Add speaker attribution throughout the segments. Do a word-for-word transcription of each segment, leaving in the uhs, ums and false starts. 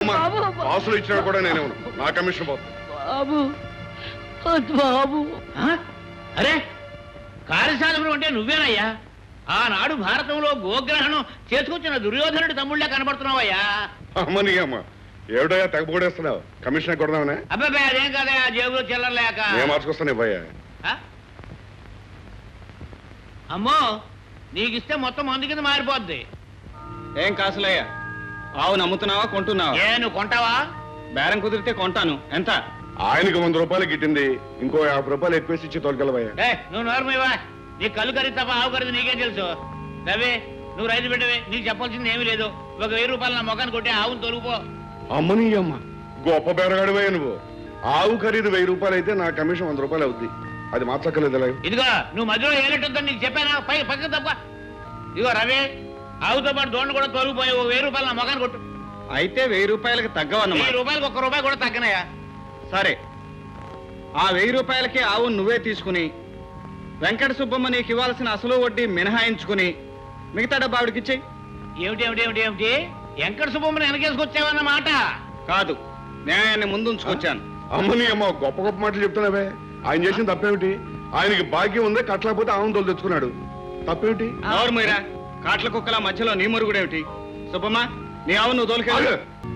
Speaker 1: లేదమ్మా, కాసులు ఇచ్చినా కూడా నేనే ఉన్నాను. నా కమిషన్ పోతుంది.
Speaker 2: బాబు బాబు
Speaker 3: అరే కార్యసాధకుడు అంటే నువ్వేనయ్యా? ఆనాడు భారతంలో గోగ్రహణం చేసుకొచ్చిన దుర్యోధనుడి తమ్ముళ్ళే కనబడుతున్నావయ్యా.
Speaker 1: అమ్మని అమ్మ ఏమిటయ్యా తెగపోడేస్తున్నావు? కమిషన్ కొడదామనే?
Speaker 3: అబ్బాయి అదేం కదయా, జేబులో చిల్లరలేక.
Speaker 1: నేను మార్చుకొస్తాను ఇవ్వయ్యా.
Speaker 3: అమ్మో నీకిస్తే మొత్తం మందు కింద మారిపోద్ది.
Speaker 4: ఏం కాసులయ్యా? ఆవు నమ్ముతున్నావా కొంటున్నావా?
Speaker 3: ఏ నువ్వు కొంటావా?
Speaker 4: బేరం కుదిరితే కొంటాను. ఎంత?
Speaker 1: ఆయనకు వంద రూపాయలు గిట్టింది, ఇంకో యాభై రూపాయలు ఎక్కువేసి ఇచ్చి తోలుకెళ్ళవయ్యా.
Speaker 3: ఏ నువ్వు నోరమివా, నీ కళ్ళు కరిగి తప్ప ఆవు కరిది నీకేం తెలుసు? రవి నువ్వు రైతు బిడ్డవే, నీకు చెప్పాల్సింది ఏమీ లేదు. ఒక వెయ్యి రూపాయలు నా మొఖాన్ని కొట్టి ఆవును తొలుగుపో.
Speaker 1: అమ్మని అమ్మ గొప్ప బేరగాడివయ్యా నువ్వు. ఆవు ఖరీదు వెయ్యి రూపాయలు అయితే నా కమిషన్ వంద రూపాయలు అవుద్ది. అది మార్చక్కర్లేదు.
Speaker 3: ఇదిగో నువ్వు మధ్యలో ఏనట్టుందని నీకు చెప్పానా? పై పక్కన తప్ప. ఇదిగో రవి ఆవుతో పాటు దోండ కూడా తొలగిపోయి ఓ వెయ్యి రూపాయలు నా మొఖాన్ని కొట్టు.
Speaker 4: అయితే వెయ్యి రూపాయలకి తగ్గవన్నమాట.
Speaker 3: వెయ్యి రూపాయలకు ఒక్క రూపాయి కూడా తగ్గనయా.
Speaker 4: సరే, ఆ వెయ్యి రూపాయలకి ఆవు నువ్వే తీసుకుని వెంకట సుబ్బమ్మ నీకు ఇవ్వాల్సిన అసలు వడ్డీ మినహాయించుకుని మిగతా డబ్బు ఆవిడకిచ్చేయి.
Speaker 3: ఏమిటి ఏమిటి ఏమిటి ఏమిటి వెంకట సుబ్బమ్మని వెనకేసుకొచ్చావన్నమాట?
Speaker 4: కాదు, న్యాయాన్ని ముందుంచుకొచ్చాను.
Speaker 1: అమ్మని అమ్మ గొప్ప గొప్ప మాటలు చెప్తున్నావే. ఆయన చేసిన తప్పేమిటి? ఆయనకి భాగ్యం ఉందే, కట్టలేకపోతే ఆవును తోలు తెచ్చుకున్నాడు. తప్పేమిటి?
Speaker 4: ఎవరు మీరా? కాట్ల కుక్కల మధ్యలో నీ మురుగుడేమిటి? సుబ్బమ్మ నీ ఆవు నువ్వు తోలుకెళ్ళు.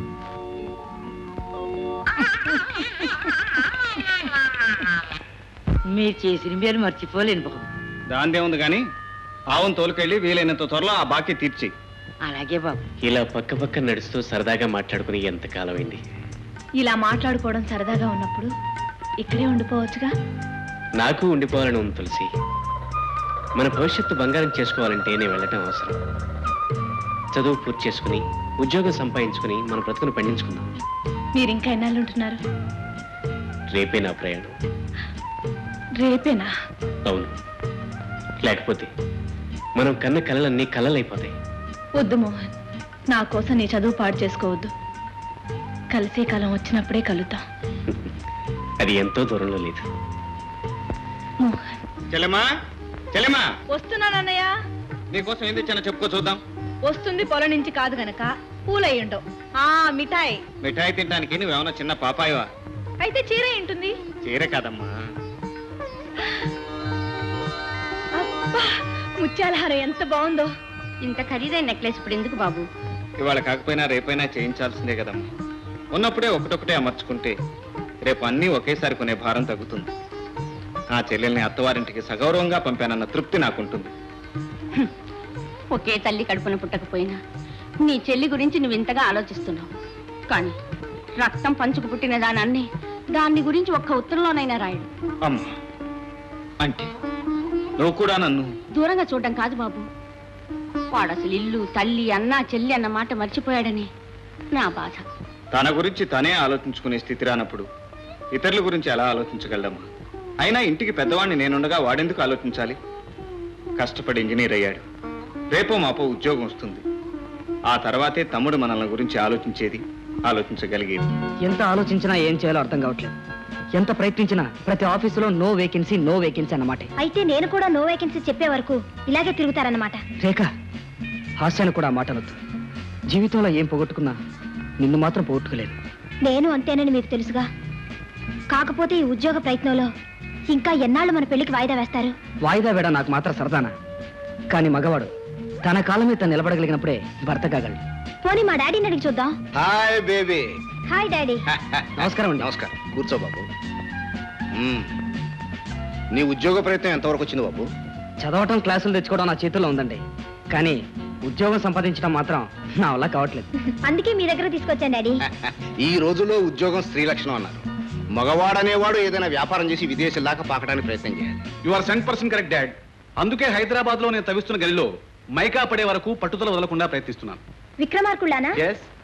Speaker 2: మీరు చేసిన మీరు మర్చిపోలేను బాబు.
Speaker 4: దాందే ఉంది గాని ఆవును తోలుకెళ్ళి వీలైనంత త్వరలో ఆ బాకీ తీర్చి.
Speaker 2: అలాగే బాబు.
Speaker 5: ఇలా పక్క పక్క నడుస్తూ సరదాగా మాట్లాడుకుని ఎంత కాలమైంది.
Speaker 6: ఇలా మాట్లాడుకోవడం సరదాగా ఉన్నప్పుడు ఇక్కడే ఉండిపోవచ్చుగా.
Speaker 5: నాకు ఉండిపోవాలని ఉంది తులసి. మన భవిష్యత్తు బంగారం చేసుకోవాలంటే నేను వెళ్ళటం అవసరం. చదువు పూర్తి చేసుకుని ఉద్యోగం సంపాదించుకుని మన బ్రతుకును పండించుకుందాం.
Speaker 6: మీరు ఇంకా ఎన్నాళ్ళు ఉంటున్నారు?
Speaker 5: రేపే నా ప్రయాణం.
Speaker 6: రేపేనా?
Speaker 5: అవును, లేకపోతే మనం కన్న కలలన్నీ కలలైపోతాయి.
Speaker 6: వద్దు మోహన్, నా కోసం నీ చదువు పాడు చేసుకోవద్దు. కలిసే కాలం వచ్చినప్పుడే కలుద్దాం.
Speaker 5: అది ఎంతో దూరంలో లేదు.
Speaker 6: మోహన్.
Speaker 4: చెల్లెమ్మా, చెల్లెమ్మా,
Speaker 6: వస్తున్నానన్నయ్య.
Speaker 4: నీకోసం ఏం తెచ్చానో చెప్పుకో చూద్దాం.
Speaker 6: వస్తుంది పొలం నుంచి కాదు గనక పూలయ్యుండవు. ఆ మిఠాయి.
Speaker 4: మిఠాయి తినడానికి నువ్వేమన్నా చిన్న పాపాయవా?
Speaker 6: అయితే చీర ఉంటుంది.
Speaker 4: చీర కాదమ్మా.
Speaker 6: అబ్బా, ముత్యాల హారం ఎంత బాగుందో.
Speaker 7: ఇంత ఖరీదైన నెక్లెస్ ఇప్పుడు ఎందుకు బాబు?
Speaker 4: ఇవాళ కాకపోయినా రేపైనా చేయించాల్సిందే కదమ్మా. ఉన్నప్పుడే ఒకటొకటే అమర్చుకుంటే రేపు అన్నీ ఒకేసారి కొనే భారం తగ్గుతుంది. ఆ చెల్లెల్ని అత్తవారింటికి సగౌరవంగా పంపానన్న తృప్తి నాకుంటుంది.
Speaker 7: ఒకే తల్లి కడుపున పుట్టకపోయినా నీ చెల్లి గురించి నువ్వు ఇంతగా ఆలోచిస్తున్నావు. కానీ రక్తం పంచుకు పుట్టిన దానాన్ని దాన్ని గురించి ఒక్క ఉత్తరంలోనైనా రాయడు.
Speaker 4: అమ్మా, అంటే నువ్వు కూడా నన్ను
Speaker 7: దూరంగా చూడడం కాదు బాబు. వాడు అసలు ఇల్లు తల్లి అన్నా చెల్లి అన్న మాట మర్చిపోయాడని నా బాధ.
Speaker 4: తన గురించి తనే ఆలోచించుకునే స్థితి రానప్పుడు ఇతరుల గురించి ఎలా ఆలోచించగలమ్మా? అయినా ఇంటికి పెద్దవాడిని నేనుండగా వాడెందుకు ఆలోచించాలి? కష్టపడి ఇంజనీర్ అయ్యాడు. రేపో మాపో ఉద్యోగం వస్తుంది. ఆ తర్వాతే తమ్ముడు మనల్ని గురించి ఆలోచించేది, ఆలోచించగలిగేది.
Speaker 2: ఎంత ఆలోచించినా ఏం చేయాలో అర్థం కావట్లేదు. ఎంత ప్రయత్నించినా ప్రతి ఆఫీసులో నో వేకెన్సీ నో వేకెన్సీ అన్నమాట.
Speaker 6: అయితే నేను కూడా నో వేకెన్సీ చెప్పే వరకు ఇలాగే తిరుగుతారన్నమాట.
Speaker 2: రేఖ, హాస్యాన్ని కూడా మాట అనొద్దు. జీవితంలో ఏం పోగొట్టుకున్నా నిన్ను మాత్రం పోగొట్టుకోలేదు.
Speaker 6: నేను అంతేనని మీకు తెలుసుగా. కాకపోతే ఈ ఉద్యోగ ప్రయత్నంలో ఇంకా ఎన్నాళ్ళు మన పెళ్లికి వాయిదా వేస్తారు?
Speaker 2: వాయిదా వేడ నాకు మాత్రం సరదానా? కానీ మగవాడు తన కాలం మీద నిలబడగలిగినప్పుడే భర్త కాగలడు.
Speaker 6: పోనీ మా డాడీని అడిగి చూద్దాం.
Speaker 8: Hi baby.
Speaker 6: Hi daddy.
Speaker 2: నమస్కారం అండి.
Speaker 8: నమస్కారం. కూర్చో బాబు. నీ ఉద్యోగ ప్రయత్నం ఎంతవరకు వచ్చింది బాబు?
Speaker 2: చదవటం క్లాసులు తెచ్చుకోవడం నా చేతుల్లో ఉందండి. కానీ ఉద్యోగం సంపాదించడం మాత్రం నా వల్ల కావట్లేదు.
Speaker 6: అందుకే మీ దగ్గర తీసుకొచ్చాను డాడీ.
Speaker 8: ఈ రోజుల్లో ఉద్యోగం స్త్రీ లక్షణం అన్నారు. మగవాడనేవాడు ఏదైనా వ్యాపారం చేసి విదేశాల దాకా పాకడానికి ప్రయత్నం చేయాలి.
Speaker 4: You are cent percent correct dad. అందుకే హైదరాబాద్ లో నేను తవ్విస్తున్న గదిలో మైకా పడే వరకు పట్టుదల వదలకుండా ప్రయత్నిస్తున్నాను.
Speaker 6: విక్రమార్కుళ్ళానా?
Speaker 4: ఎస్,